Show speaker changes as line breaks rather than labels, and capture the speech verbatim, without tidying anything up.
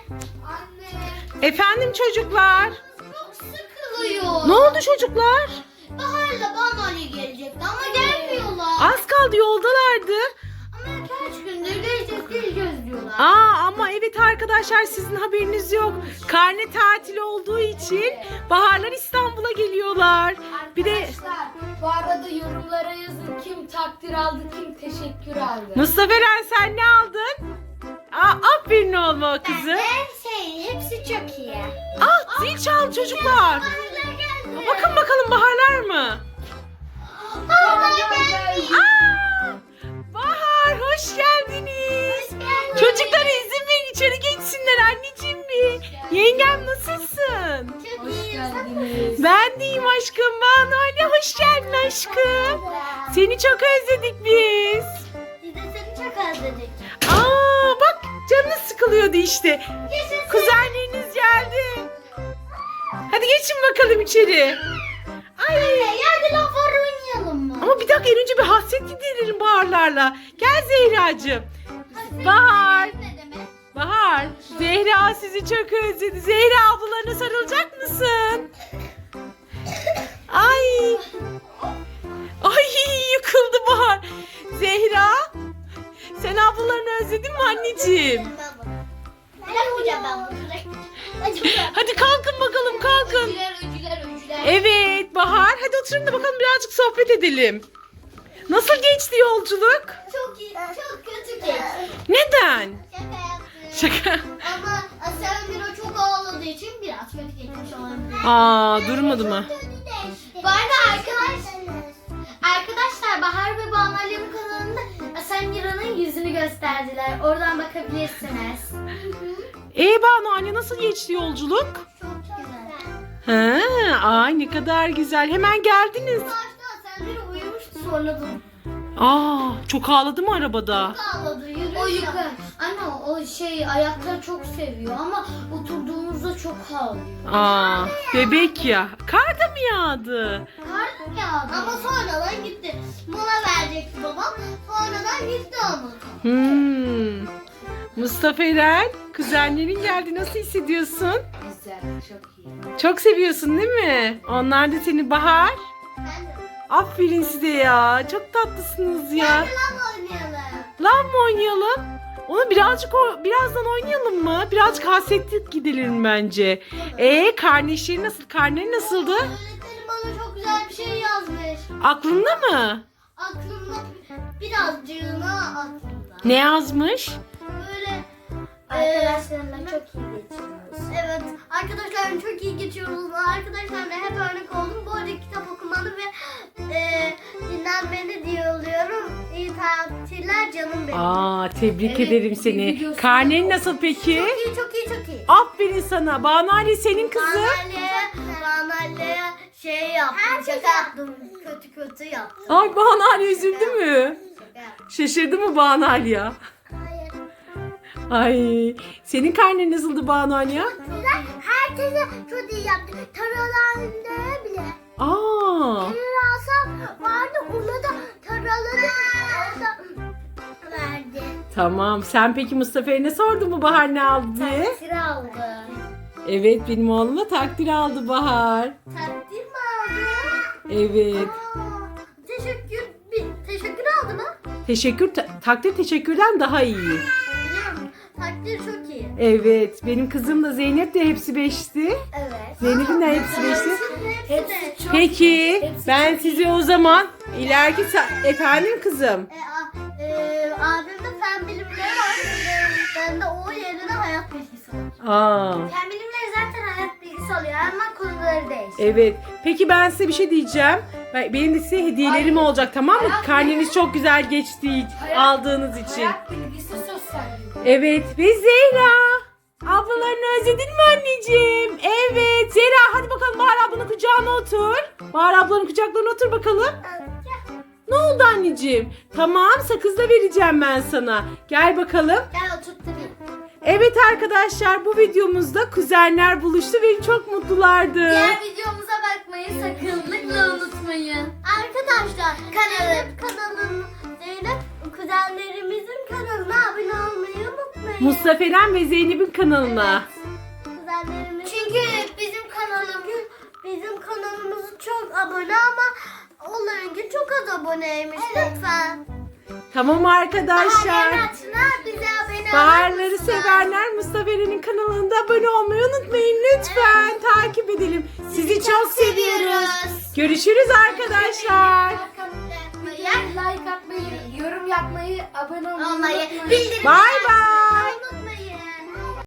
Anne. Efendim çocuklar.
Çok sıkılıyor.
Ne oldu çocuklar?
Bahar'la Banali gelecekti ama gelmiyorlar.
Az kaldı, yoldalardı.
Ama kaç gündür geleceğiz geleceğiz diyorlar.
Aa ama evet arkadaşlar, sizin haberiniz yok. Karne tatili olduğu için Baharlar İstanbul'a geliyorlar. Bir de
Arkadaşlar bu arada yorumlara yazın kim takdir aldı kim teşekkür aldı.
Mustafa Eren, sen ne aldın? Aa, aferin oğluma kızı.
Her şey hepsi çok iyi.
Aa, zil çaldı çocuklar.
Baharlar geldi.
Bakın bakalım Baharlar mı?
Baharlar geldi.
Aa, Bahar hoş geldiniz. Çocuklara izin verin, içeri geçsinler anneciğim bir. Yengem nasılsın?
Çok
Hoş
iyi.
geldiniz.
Ben deyim aşkım, Banu anne hoş geldin aşkım. Seni çok özledik biz.
Biz de seni çok özledik.
Aa bak, canınız sıkılıyordu işte.
Yaşasın.
Kuzenleriniz geldi. Hadi geçin bakalım içeri. Ay.
Hadi laflar oynayalım mı?
Ama bir dakika, en önce bir hasret giderelim Baharlarla. Gel Zehracığım. Bahar.
Ne demek?
Bahar. Zehra sizi çok özledi. Zehra ablalarına sarılacak mısın? Ay. Ay yıkıldı Bahar. Zehra. Sen ablalarını özledin mi anneciğim?
Bırakmayacağım ben bunu.
Hadi kalkın bakalım, kalkın.
Öcüler, öcüler, öcüler.
Evet Bahar. Hadi oturun da bakalım birazcık sohbet edelim. Nasıl geçti yolculuk?
Çok iyi, çok kötü geçti.
Neden?
Şaka yaptım.
Şaka.
Ama Asel çok ağladığı için biraz kötü geçmiş olabilir.
Aa, durmadı mı?
Bu arada arkadaşlar, arkadaşlar Bahar ve Banu Alev'in kanalında Asel Mira'nın yüzünü gösterdiler. Oradan bakabilirsiniz.
Ee Banu anne, nasıl geçti yolculuk?
Çok güzel.
Ha, ay ne kadar güzel. Hemen geldiniz.
Başta Asel Mira uyumuştu, sonra da
Aa, çok ağladı mı arabada?
ağladı. Yürüyor.
O yukarı. Anne o şey ayakları çok seviyor ama oturduğumuzda çok ağlıyor.
Aa, bebek ya. Kar da mı yağdı?
Kar yağdı. Ama sonradan gitti. Mola verecekti babam. Sonradan gitti ama.
Hmm. Mustafa Eren, kuzenlerin geldi. Nasıl hissediyorsun?
Güzel, çok iyi.
Çok seviyorsun değil mi? Onlar da seni Bahar.
Ben de.
Aferin size ya. Çok tatlısınız ya.
Hadi lan oynayalım.
Lan mı oynayalım? Onu birazcık o, birazdan oynayalım mı? Birazcık hasretlik gidelim bence. Ee, karne işleri nasıl? Karne nasıldı?
Öğretmenim bana çok güzel bir şey yazmış.
Aklında mı?
Aklımda birazcığına aklımda.
Ne yazmış?
Böyle
Arkadaşlarımla çok iyi geçiriyoruz.
evet, arkadaşlarım çok iyi geçiyoruz. Arkadaşlarımla hep örnek oldum. Bu arada kitap okumanı ve e, dinlenmeni diye oluyorum. İyi tatiller canım benim.
Aa, tebrik
Evet,
ederim
bir
seni.
videosu
Karnen nasıl peki?
Çok iyi, çok iyi, çok iyi.
Aferin sana. Banu Ali senin kızı.
Banalya, Banalya şey yaptım, şaka yaptım. Kötü kötü yaptım.
Ay Banu Ali üzüldü mü?
Şaka yaptım.
Şaşırdı mı Banu Ali ya?
Hayır.
Ay, senin karnen nasıldı Banu Ali ya?
Herkese çok iyi yaptı. Taralarında bile.
Aa,
Rasam vardı, ona da taraları orada verdi.
tamam. Sen peki Mustafa'ya ne sordun mu Bahar ne aldı diye?
Takdir aldı.
Evet, benim oğluma takdir aldı Bahar.
Takdir mi aldı?
Evet.
Aa, teşekkür, bir, teşekkür aldı mı?
Teşekkür, ta- takdir teşekkürden daha iyi.
Biliyorum. Takdir çok iyi.
Evet, benim kızım da Zeynep de hepsi beşti.
Evet.
Zeynep'in de hepsi beşti.
Hepsi de.
çok
Peki,
Hepsi
ben
çok
size o zaman ileriki sa- efendim kızım.
E, a, e, abimde fen bilimleri var. E, ben de o yerine hayat bilgisi var.
Aa,
Fen bilimleri zaten hayat bilgisi oluyor ama konuları değişiyor.
evet. Peki ben size bir şey diyeceğim. Ben- Benim de size hediyelerim olacak, tamam mı? Karneniz çok güzel geçti aldığınız için.
Hayat bilgisi sosyal bilgi.
Evet, ve Zehra. Ablalarını özledin mi anneciğim? Evet. Zehra hadi bakalım Bahar ablanın kucağına otur. Bahar ablanın kucaklarına otur bakalım. Ne oldu anneciğim? Tamam, sakız da vereceğim ben sana. Gel bakalım.
Gel oturtturayım.
Evet arkadaşlar, bu videomuzda kuzenler buluştu ve çok mutlulardı.
Diğer videomuza bakmayı sakınlıkla unutmayın. Arkadaşlar kanalım, kanalım Zeynep kuzenlerimizin kanalına abone olmayı unutmayın.
Mustafa Eren ve Zeynep'in kanalına.
Kuzenlerimiz.
Çünkü bizim kanalımız
Bizim kanalımız çok abone ama onlarınki çok az aboneymiş. Lütfen.
Tamam arkadaşlar.
Bize abone
Baharları
olursunuz.
sevenler Mustafa Eren'in kanalında abone olmayı unutmayın lütfen. Takip edelim. Sizi çok seviyoruz. Görüşürüz arkadaşlar.
like atmayı, yorum yapmayı, abone olmayı
Olmayı,
unutmayın.
bildirim
Bay bay.